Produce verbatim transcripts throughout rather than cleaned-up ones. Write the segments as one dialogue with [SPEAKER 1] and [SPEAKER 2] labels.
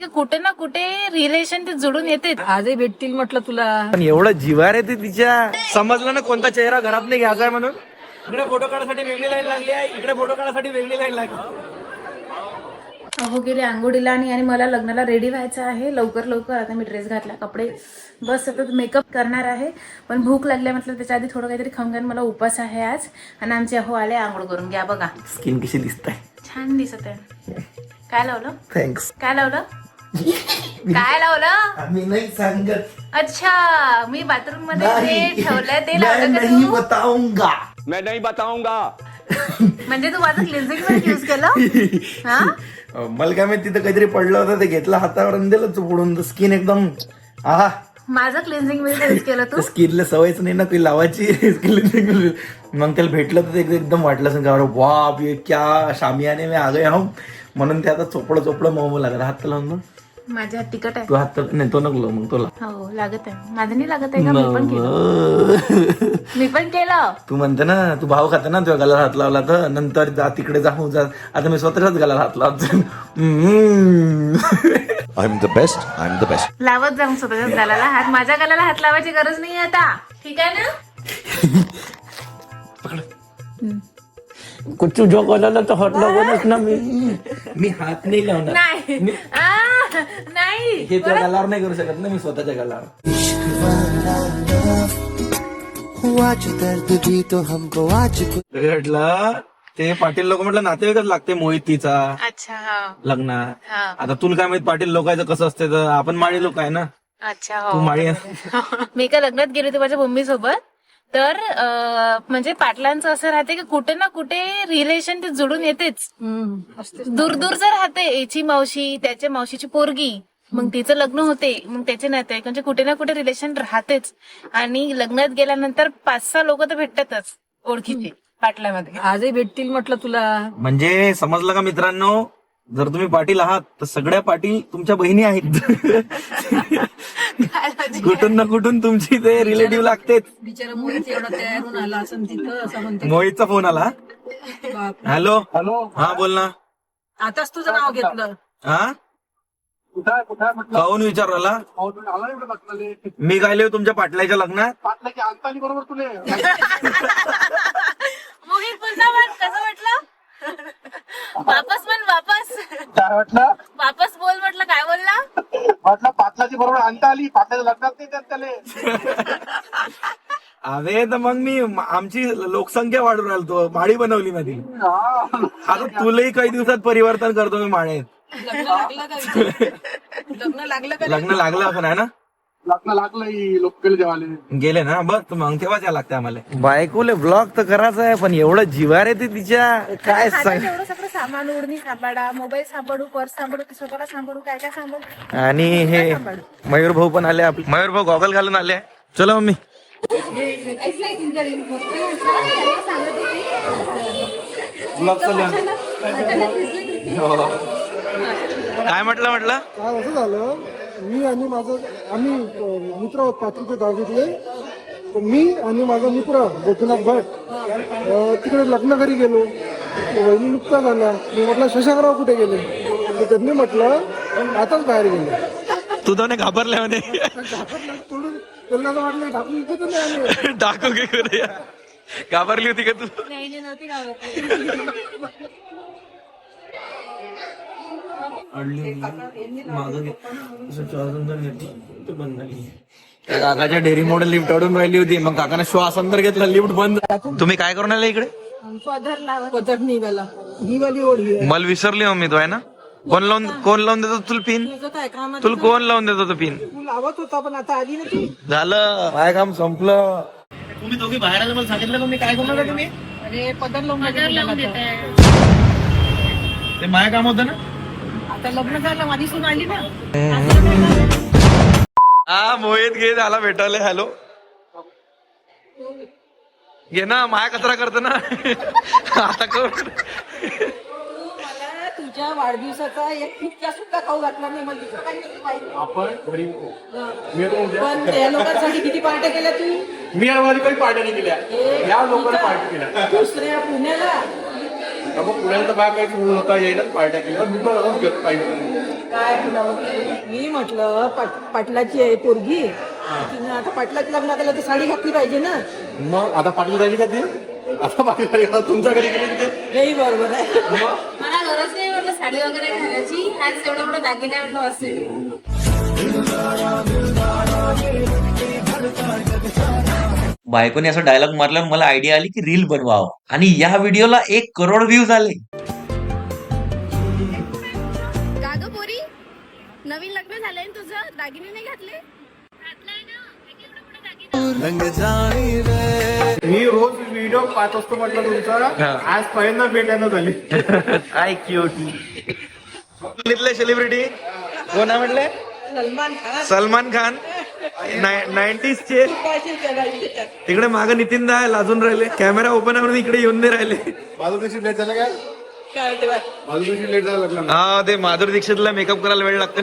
[SPEAKER 1] की कुठे ना कुठे रिलेशन ते जुळून येते.
[SPEAKER 2] आजही भेटतील म्हटलं तुला.
[SPEAKER 3] पण एवढं जिवार येते तिच्या. समजलं ना कोणता चेहरा घरात नाही घ्यायचा आहे म्हणून. इकडे फोटो काढायसाठी वेगळी लाईन लागली आहे, इकडे फोटो काढायसाठी वेगळी लाईन लागली.
[SPEAKER 1] अहो गेले आंघोळीला आणि आणि मला लग्नाला रेडी व्हायचं आहे लवकर लवकर. आता मी ड्रेस घातला, कपडे बस सतत मेकअप करणार आहे. पण भूक लागल्या म्हटलं त्याच्या आधी थोडं काहीतरी खाऊन घ्या. मला उपास आहे आज. आणि आमचे अहो आले आंघोळ करून. घ्या बघा
[SPEAKER 3] स्किन कशी दिसत आहे.
[SPEAKER 1] छान दिसत आहे. काय लावलं?
[SPEAKER 3] थँक्स.
[SPEAKER 1] काय लावलं? काय लावलं?
[SPEAKER 3] आम्ही नाही सांगत.
[SPEAKER 1] अच्छा मी बाथरूम मध्ये ते ठेवलंय ते
[SPEAKER 3] मैं
[SPEAKER 1] लावलं का
[SPEAKER 3] नहीं
[SPEAKER 1] तू?
[SPEAKER 3] बताऊंगा.
[SPEAKER 4] मैं नहीं बताऊंगा.
[SPEAKER 1] म्हणजे तू माझं क्लिन्झिंग वर यूज केलं? हा
[SPEAKER 3] मला काय माहिती तिथं काहीतरी पडलं होतं ते घेतलं हातावर आणि दिलं चुपडून. स्किन एकदम आहा.
[SPEAKER 1] माझं क्लिन्झिंग मध्ये यूज केलं तू?
[SPEAKER 3] स्किनला सवयच नाही ना ती लावायची. मग त्याला भेटलं तर ते एकदम वाटलं असं का बाप ये क्या शामियाने में आ गए हम. म्हणून ते आता चोपडं चोपडं मऊ लागत. हात लावून बघ.
[SPEAKER 1] माझ्या हात तिकट आहे.
[SPEAKER 3] तू हात नाही तो नको मग तुला.
[SPEAKER 1] हो लागत आहे. माझं नाही लागत आहे का? मी पण केलं. मी पण केलं.
[SPEAKER 3] तू म्हणते ना तू भाव खाते ना तुझ्या गळ्याला हात लावला तर नंतर जा तिकडे जाऊ जा. आता मी स्वतःच्याच गळ्याला हात लावतो.
[SPEAKER 5] I am the best I am the best.
[SPEAKER 1] लावत जाऊन स्वतःच्याच गालाला हात. माझ्या गालाला हात लावायची गरज नाही आता. ठीक आहे ना?
[SPEAKER 3] कुछ जो गळ्याला तर हात लावूनच ना मी. मी हात नाही लावणार.
[SPEAKER 1] नाही आ, नाही
[SPEAKER 3] हे तुझ्या गळ्यावर नाही करू शकत ना मी स्वतःच्या गळ्यावर. म्हटलं ते पाटील लोक म्हटलं नातेवाईकच लागते मोहित तिचा
[SPEAKER 1] अच्छा हा
[SPEAKER 3] लग्न.
[SPEAKER 1] हा
[SPEAKER 3] आता तुला काय माहित पाटील लोकांचं कसं असते तर आपण माळी लोक आहे ना.
[SPEAKER 1] अच्छा
[SPEAKER 3] तू
[SPEAKER 1] हो
[SPEAKER 3] माळी आहे.
[SPEAKER 1] मी एका लग्नात गेले होते माझ्या मम्मी सोबत. तर अं, म्हणजे पाटलांचं असं राहते की कुठे ना कुठे रिलेशन ते जुळून येतेच. दूर दूरचं राहते. याची मावशी त्याच्या मावशीची पोरगी मग तिचं लग्न होते. मग त्याचे नाते म्हणजे कुठे ना कुठे रिलेशन राहतेच. आणि लग्नात गेल्यानंतर पाच सहा लोक तर भेटतातच ओळखीचे पाटलामध्ये.
[SPEAKER 2] आजही भेटतील म्हटलं तुला.
[SPEAKER 3] म्हणजे समजलं का मित्रांनो, जर तुम्ही पाटील आहात तर सगळ्या पाटील तुमच्या बहिणी आहेत. कुठून ना कुठून तुमची ते रिलेटिव्ह लागतेच.
[SPEAKER 2] बिचारा मोहित एवढा तयार होऊन आला असं तिथं असं म्हणते.
[SPEAKER 3] मोहितचा फोन आला.
[SPEAKER 2] बाप.
[SPEAKER 3] हॅलो हॅलो हा बोल ना.
[SPEAKER 2] आताच तुझं नाव घेतलं.
[SPEAKER 3] हा काहून विचारला? मी गायले तुमच्या पाटलाच्या लग्नात.
[SPEAKER 1] मोहित पुन्हा म्हण कसं म्हटलं? वापस म्हण वापस.
[SPEAKER 6] काय वाटलं?
[SPEAKER 1] वापस बोल म्हटलं. काय बोलला?
[SPEAKER 6] म्हटलं पाटलाची बरोबर आणता आली. पाटलाच्या लग्नात नाही त्यात त्याले.
[SPEAKER 3] अरे तर मग मी आमची लोकसंख्या वाढून राहिलो तो माळी बनवली माझी. आता तुलाही काही दिवसात परिवर्तन करतो मी माळेत.
[SPEAKER 2] लग्न लागलं का? लग्न लागलं का?
[SPEAKER 3] लग्न लागलं पण आहे ना.
[SPEAKER 6] लग्न लागलं लोक गेले जेवाले.
[SPEAKER 3] गेले ना बघ मग तेव्हाच या लागते आम्हाला. बायकोले ब्लॉग तर करायचा आहे पण एवढं जिवार येते तिच्या. काय सांग.
[SPEAKER 1] एवढं सगळं सामान ओढणी सांभाळा, मोबाईल सांभाळू, पर्स सांभाळू, स्वतःला सांभाळू, काय काय सांभाळू.
[SPEAKER 3] आणि हे मयूर भाऊ पण आले आपले. मयूर भाऊ गॉगल घालून आले. चलो मम्मी. काय म्हटलं म्हटलं
[SPEAKER 7] काय असं झालं, मी आणि माझं आम्ही मित्र आहोत पाचवीच्या दहावीतले. तर मी आणि माझा मित्र गोपीनाथ भट अं, तिकडे लग्न घरी गेलो. वहिनी नुकता झाला. मी म्हटलं शशांकराव कुठे गेले, तर त्यांनी म्हटलं आताच बाहेर गेले.
[SPEAKER 3] तू तर घाबरल्या म्हणे.
[SPEAKER 7] सोडून त्यांना असं वाटलं ढाकून इथे तर नाही आले.
[SPEAKER 3] टाकू घे करू या. घाबरली होती का तू? काकाच्या डेअरी मोडे लिफ्ट अडून राहिली होती. मग काकाने श्वास अंदर घेतला, लिफ्ट बंद. तुम्ही काय करून आले इकडे?
[SPEAKER 2] पदर निघाला.
[SPEAKER 7] ही वाली ओढी आहे.
[SPEAKER 3] मला विसरली मम्मी तो आहे ना. कोण लावून कोण लावून देतो तुला पिन?
[SPEAKER 2] काय काम
[SPEAKER 3] तुला कोण लावून देतो तो पिन?
[SPEAKER 7] तू लावत होता पण आता आली ना ती.
[SPEAKER 3] झालं काय काम संपलं. तुम्ही दोघी बाहेर आलं मला सांगितलं मग मी काय करणार तुम्ही?
[SPEAKER 2] अरे पदर लावून
[SPEAKER 3] ते माझं काम होतं ना.
[SPEAKER 2] आता लग्न झालं माझी सून आली ना.
[SPEAKER 3] हा मोहित घे झाला भेटायला. हॅलो घे ना माया कचरा करतो ना. आता कर.
[SPEAKER 2] मला तुझ्या वाढदिवसाचा एक पिक्चर सुद्धा खाऊ घातला नाही. मला तुझं काही नाही माहिती. पण त्या लोकांसाठी किती पार्ट्या केल्या तू?
[SPEAKER 6] मी आणि काही पार्ट्या नाही केल्या. या लोकांना पार्टी केल्या.
[SPEAKER 2] दुसऱ्या पुण्याला
[SPEAKER 6] पुण्याला तर बाय काही होता येईल पार्ट्या केल्या. मी पण घेतो काही.
[SPEAKER 2] काय तुला मी म्हटलं पाट- पाटलाची आहे पोरगी तिने आता पाटलाच्या लग्नात आलं तर साडी घातली पाहिजे ना.
[SPEAKER 6] मग आता पाटील राहिली का ती आता पाटील राहिली का? तुमच्या घरी गेली तिथे
[SPEAKER 2] नाही बरोबर आहे.
[SPEAKER 1] मला गरज नाही म्हटलं साडी वगैरे घालायची, आज एवढं मोठं दागिने म्हटलं असेल.
[SPEAKER 4] बायकोने असं डायलॉग मारल्यावर मला आयडिया आली की रील बनवावं आणि या व्हिडिओला एक करोड व्ह्यूज आले.
[SPEAKER 8] का ग पोरी, नवीन लग्न झालंय ना तुझं, दागिने नाही घातले?
[SPEAKER 6] मी रोज व्हिडिओ पाहत असतो म्हटलं तुमचा, आज पहिल्यांदा भेटायला झाली.
[SPEAKER 3] काय क्यूट. सेलिब्रिटी कोण आहे म्हटले?
[SPEAKER 2] सलमान खान
[SPEAKER 3] सलमान खान. नाईन्टीज चे. तिकडे मागे नितीन दा लाजून राहिले, कॅमेरा ओपन करून इकडे येऊन नाही राहिले.
[SPEAKER 6] माझं दिवशी लेट झालं काय
[SPEAKER 2] काय म्हणते बा?
[SPEAKER 6] माझं दिवशी लेट झालं लग्न.
[SPEAKER 3] हा ते माधुरी दीक्षितला मेकअप करायला वेळ लागतो.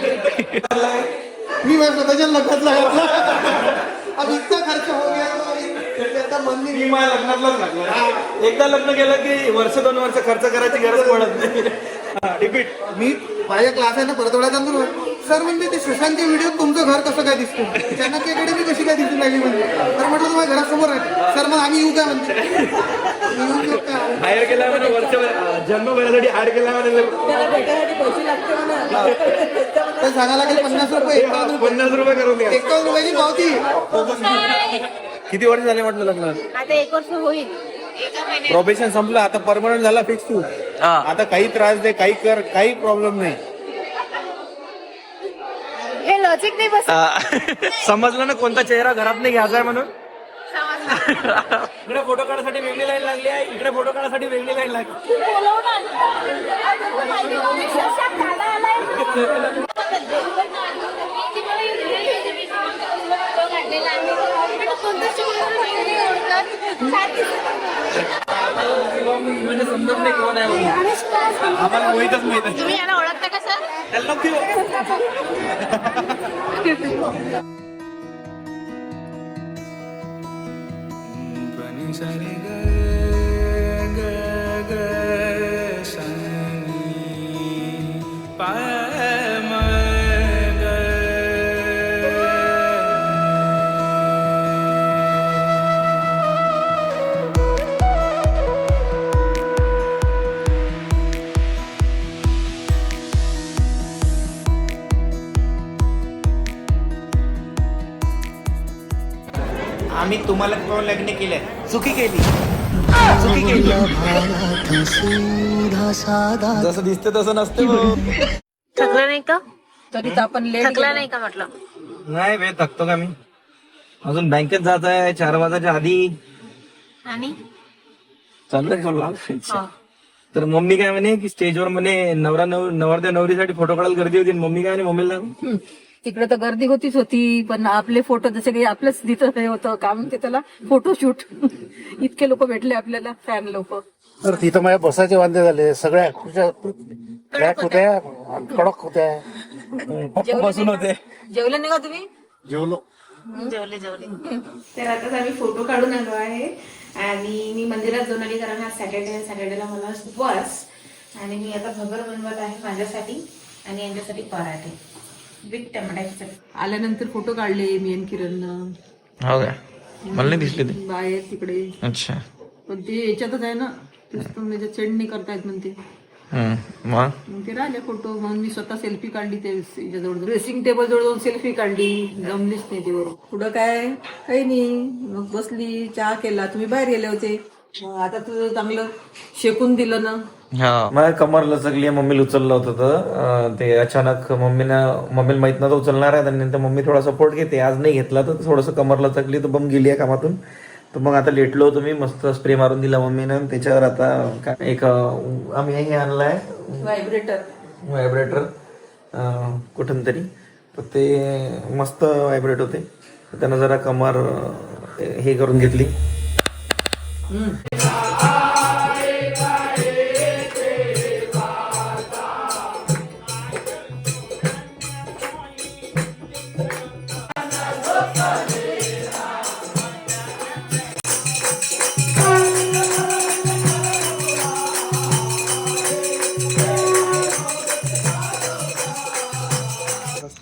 [SPEAKER 7] मी माझ्या स्वतःच्या लग्नातला घातला. अब इतका खर्च हो गया आता मन नाही.
[SPEAKER 3] मी माझ्या लग्नातलाच लागला. एकदा लग्न केलं की वर्ष दोन वर्ष खर्च करायची गरज पडत नाही. रिपीट.
[SPEAKER 7] मी माझ्या क्लास आहे ना परतवाड्यात जातो. सर म्हणजे ते सुशांतच्या व्हिडिओ तुमचं घर कसं काय दिसतं, चाणक्य अकॅडमी कशी काय दिसून लागली म्हणजे. तर म्हटलं तुम्हाला घरासमोर आहे सर, मग आम्ही येऊ काय म्हणते. येऊ देऊ का?
[SPEAKER 3] हायर केला म्हणजे वर्षभर जन्मभरासाठी हायर केला म्हणजे
[SPEAKER 2] त्याला भेटायसाठी पैसे लागते म्हणा.
[SPEAKER 7] तर सांगायला लागेल पन्नास रुपये एकावन्न रुपये
[SPEAKER 3] पन्नास रुपये करून द्या.
[SPEAKER 7] एकावन्न रुपयाची पावती.
[SPEAKER 3] किती वर्ष झाले म्हटलं लग्न?
[SPEAKER 1] आता एक वर्ष होईल.
[SPEAKER 6] प्रोबेशन संपलं, आता परमनंट झाला फिक्स तू. आता काही त्रास दे, काही कर, काही प्रॉब्लेम नाही.
[SPEAKER 1] हे लॉजिक नाही बस.
[SPEAKER 3] समजलं ना कोणता चेहरा घरात नाही घ्यायचा आहे म्हणून. इकडे फोटो काढायसाठी वेगळी लाईन लागली आहे, इकडे फोटो काढायसाठी वेगळी लाईन लागली. समजत नाही कोण आहे म्हणून. आम्हाला मोहितच माहित आहे.
[SPEAKER 1] तुम्ही याला ओळखता का सर?
[SPEAKER 3] त्याला नको आम्ही तुम्हाला पाहून लग्न केलंय. चुकी केली, चुकी केली. जसं दिसतं तसं नसतं.
[SPEAKER 1] थकला नाही का?
[SPEAKER 2] तरी तर आपण लेट
[SPEAKER 1] थकला नाही का म्हटलं?
[SPEAKER 3] नाही वेळ थकतो का मी? अजून बँकेत जात आहे चार वाजाच्या आधी.
[SPEAKER 1] आणि
[SPEAKER 3] चाललंय तर मम्मी काय म्हणे की स्टेजवर म्हणे नवरा नव नवरदेव नवरीसाठी फोटो काढायला गर्दी होती. मम्मी काय म्हणे मम्मीला
[SPEAKER 2] तिकडे तर गर्दी होतीच होती, पण आपले फोटो जसे काही आपलंच दिसत हे होतं काय म्हणते त्याला, फोटोशूट. इतके लोक भेटले आपल्याला, फॅन लोक.
[SPEAKER 6] तर तिथं माझ्या बसाचे वांदे झाले, सगळ्या खुर्च्या क्रॅक होत्या, कडक होत्या.
[SPEAKER 3] पप्पा बसून होते.
[SPEAKER 2] जेवले नाही का तुम्ही?
[SPEAKER 6] जेवलो.
[SPEAKER 1] जेवले जेवले. तर आताच आम्ही फोटो काढून आलो आहे आणि मी मंदिरात जाऊन आली, कारण हा सॅटर्डे सॅटर्डेला मला उपवास. आणि मी आता भगर बनवत आहे माझ्यासाठी आणि यांच्यासाठी पराठे विथ टमाट्याची चटणी.
[SPEAKER 2] आल्यानंतर फोटो काढले मी आणि किरणनं.
[SPEAKER 3] हो काय? मला नाही दिसले ते.
[SPEAKER 2] बाहेर तिकडे.
[SPEAKER 3] अच्छा.
[SPEAKER 2] पण ते याच्यातच आहे ना, त्याच्यात चेंडणी करतायत म्हणते.
[SPEAKER 3] मग
[SPEAKER 2] मग ते राहिले फोटो. मग मी स्वतः सेल्फी काढली, ते याच्याजवळ ड्रेसिंग टेबल जवळ जाऊन सेल्फी काढली. जमलीच नाही ते बरोबर. पुढं काय काही नाही, मग बसली, चहा केला. तुम्ही बाहेर गेले होते. मग आता तुझं चांगलं शेकून दिलं ना.
[SPEAKER 3] हा मला कमर लचकली आहे. मम्मीला उचललं होतं तर ते अचानक मम्मीनं मम्मीला माहित नव्हतं उचलणार आहे, आणि नंतर मम्मी थोडा सपोर्ट घेते. आज नाही घेतला तर थोडंसं कमर लचकली तर बम गेली आहे कामातून. तर मग आता लेटलो होतो मी, मस्त स्प्रे मारून दिला मम्मीनं. त्याच्यावर आता काय एक आम्ही हे आणलाय
[SPEAKER 2] व्हायब्रेटर.
[SPEAKER 3] व्हायब्रेटर कुठून तरी, तर ते मस्त व्हायब्रेट होते. त्यानं जरा कमर हे करून घेतली.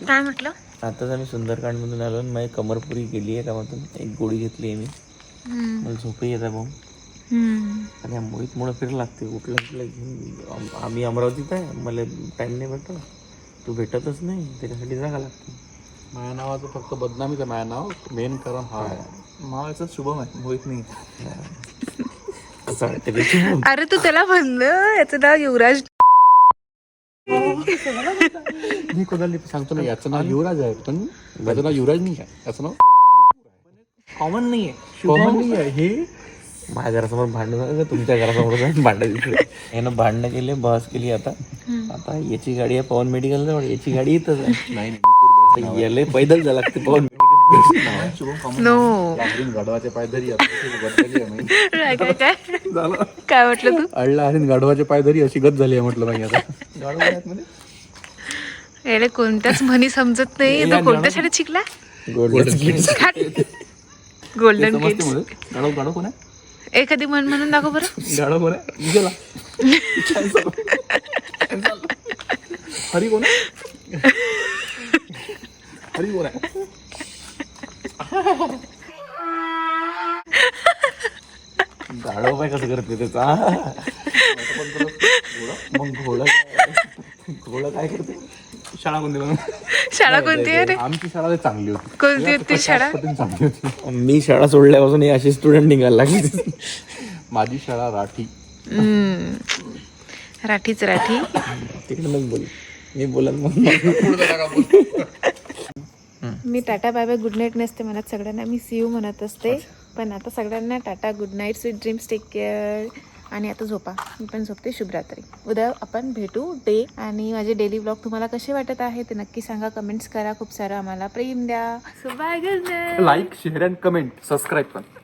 [SPEAKER 1] काय म्हटलं?
[SPEAKER 3] आताच आम्ही सुंदरकांडमधून आलो आणि माझी कमरपुरी केली आहे कामातून. एक गोळी घेतली आहे मी. मला झोपही येत आहे भाऊ. आणि या मोहितमुळे फिर लागते. उठलं उठलं घेऊन आम- आम्ही अमरावतीत आहे. मला टाईम नाही भेटत. तू भेटतच नाही, त्याच्यासाठी जागा लागते.
[SPEAKER 6] माझ्या नावाचं फक्त बदनामीच आहे. माझं नाव मेन कारण हा आहे. नावाचं शुभम आहे, मोहित नाही.
[SPEAKER 3] असं वाटतं की
[SPEAKER 1] अरे तू त्याला म्हणलं याचं नाव युवराज.
[SPEAKER 6] मी कोणाला सांगतो ना याचं नाव युवराज आहे, पण माझं नाव युवराज नाही आहे. याचं नाव कॉमन नाही आहे, कॉमन नाही आहे. हे
[SPEAKER 3] माझ्या घरासमोर भांडण झालं का तुमच्या घरासमोर जाऊन भांडण दिसले. यानं भांडणं केले, बस केली. आता आता याची गाडी आहे पवन मेडिकल जवळ, याची गाडी इथंच आहे.
[SPEAKER 6] नाही
[SPEAKER 3] आता याला पैदल जायला लागते पवन मेडिकल.
[SPEAKER 6] शुभम कॉमन
[SPEAKER 1] नो
[SPEAKER 6] गाढवाचे पायधरी
[SPEAKER 1] काय काय काय काय म्हटलं तू?
[SPEAKER 6] अडला आणि गाढवाचे पायधरी अशी गत झाली आहे म्हटलं माहिती आता. गाढव आहेत म्हणजे
[SPEAKER 1] याला कोणत्याच म्हणी समजत नाही. तो कोणत्या शाळेत शिकला? Golden kids.
[SPEAKER 6] गाढव गाढव कोण आहे?
[SPEAKER 1] एखादी म्हण म्हणून दाखव बरं.
[SPEAKER 6] गाढव कोण आहे? गेला. हरी कोण आहे? हरी कोण आहे?
[SPEAKER 3] गाडव काय कसं करते त्याचा. मग घोडा घोडा काय करते.
[SPEAKER 6] शाळा कोणती बनव?
[SPEAKER 1] शाळा कोणती आहे रे?
[SPEAKER 6] आमची शाळा लय चांगली होती.
[SPEAKER 1] कोणती होती शाळा?
[SPEAKER 6] पद्धतीने चांगली होती.
[SPEAKER 3] मी शाळा सोडल्यापासून हे अशी स्टुडंट निघायला लागले.
[SPEAKER 6] माझी शाळा राठी.
[SPEAKER 1] हम्म. राठीच राठी.
[SPEAKER 3] तिकडे मग बोल, मी बोलत मग.
[SPEAKER 1] मी tata bye bye good night नसते म्हणत सगळ्यांना, मी सी यू म्हणत असते. पण आता सगळ्यांना tata good night, sweet dreams, take care. आणि आता झोपा. मी पण झोपते. शुभरात्री. उद्या आपण भेटू डे. आणि माझे डेली ब्लॉग तुम्हाला कसे वाटत आहे ते नक्की सांगा. कमेंट्स करा. खूप सारं आम्हाला प्रेम द्या. So bye good night.
[SPEAKER 6] Like share and comment subscribe पण.